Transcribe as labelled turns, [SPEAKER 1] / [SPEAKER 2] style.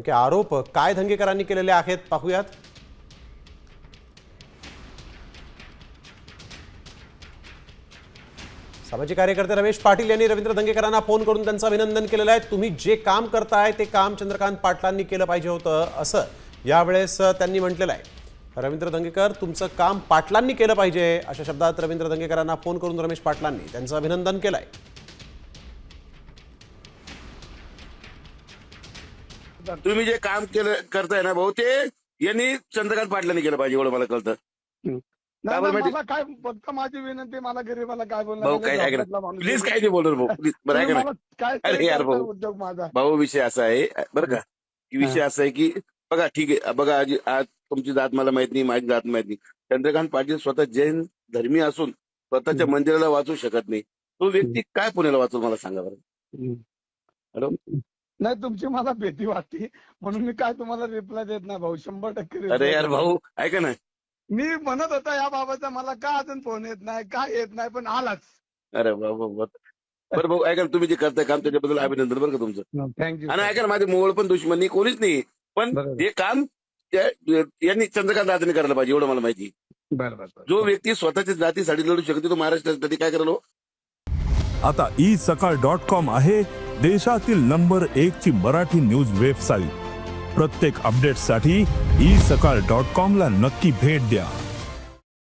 [SPEAKER 1] नेमके आरोप काय धंगेकरांनी केलेले आहेत पाहूयात। सामाजिक कार्यकर्ते रमेश पाटील यांनी रवींद्र धंगेकरांना फोन करून त्यांचं अभिनंदन केलेलं आहे। तुम्ही जे काम करताय ते काम चंद्रकांत पाटलांनी केलं पाहिजे होतं असं यावेळेस त्यांनी म्हटलेलं आहे। रवींद्र धंगेकर तुमचं काम पाटलांनी केलं पाहिजे अशा शब्दात रवींद्र धंगेकरांना फोन करून रमेश पाटलांनी त्यांचं अभिनंदन केलंय।
[SPEAKER 2] तुम्ही जे काम करताय ना भाऊ ते यांनी चंद्रकांत पाटलांनी केलं पाहिजे एवढं मला कळतं।
[SPEAKER 3] मला काय फक्त माझी विनंती, मला गरीबाला काय
[SPEAKER 2] भाऊ काय ऐका ना प्लीज काय नाही बोलणार भाऊ प्लीज बरं ऐका ना। अरे यार भाऊ
[SPEAKER 3] उद्योग माझा
[SPEAKER 2] भाऊ विषय असा आहे बरं का की विषय असा आहे की बघा ठीक आहे बघा आज तुमची जात मला माहित नाही, माझी जात माहित नाही। चंद्रकांत पाटील स्वतः जैन धर्मी असून स्वतःच्या मंदिराला वाचू शकत नाही, तो व्यक्ती काय पुण्याला वाचू मला सांगा बरं। हॅलो
[SPEAKER 3] नाही, तुमची मला भीती वाटते म्हणून मी काय तुम्हाला रिप्लाय देत नाही भाऊ, 100%
[SPEAKER 2] अरे यार भाऊ ऐका ना,
[SPEAKER 3] मी म्हणत होता या बाबाचा मला का अजून फोन येत नाही, काय येत नाही, पण आलाच।
[SPEAKER 2] अरे भाऊ बरं भाऊ ऐका ना, तुम्ही जे करताय काम त्याच्याबद्दल अभिनंदन बरं का तुमचं।
[SPEAKER 3] थँक्यू।
[SPEAKER 2] आणि ऐका ना, माझे मोवळ पण दुश्मनी कोणीच नाही, पण हे काम यांनी चंद्रकांत दादांनी करायला पाहिजे एवढं मला माहिती।
[SPEAKER 3] बरोबर,
[SPEAKER 2] जो व्यक्ती स्वतःच्या जातीसाठी लढू शकतो तो महाराष्ट्रासाठी काय करायला।
[SPEAKER 4] आता isakal.com आहे देशातील नंबर 1 ची मराठी न्यूज वेबसाईट। प्रत्येक अपडेटसाठी isakal.com ला नक्की भेट द्या।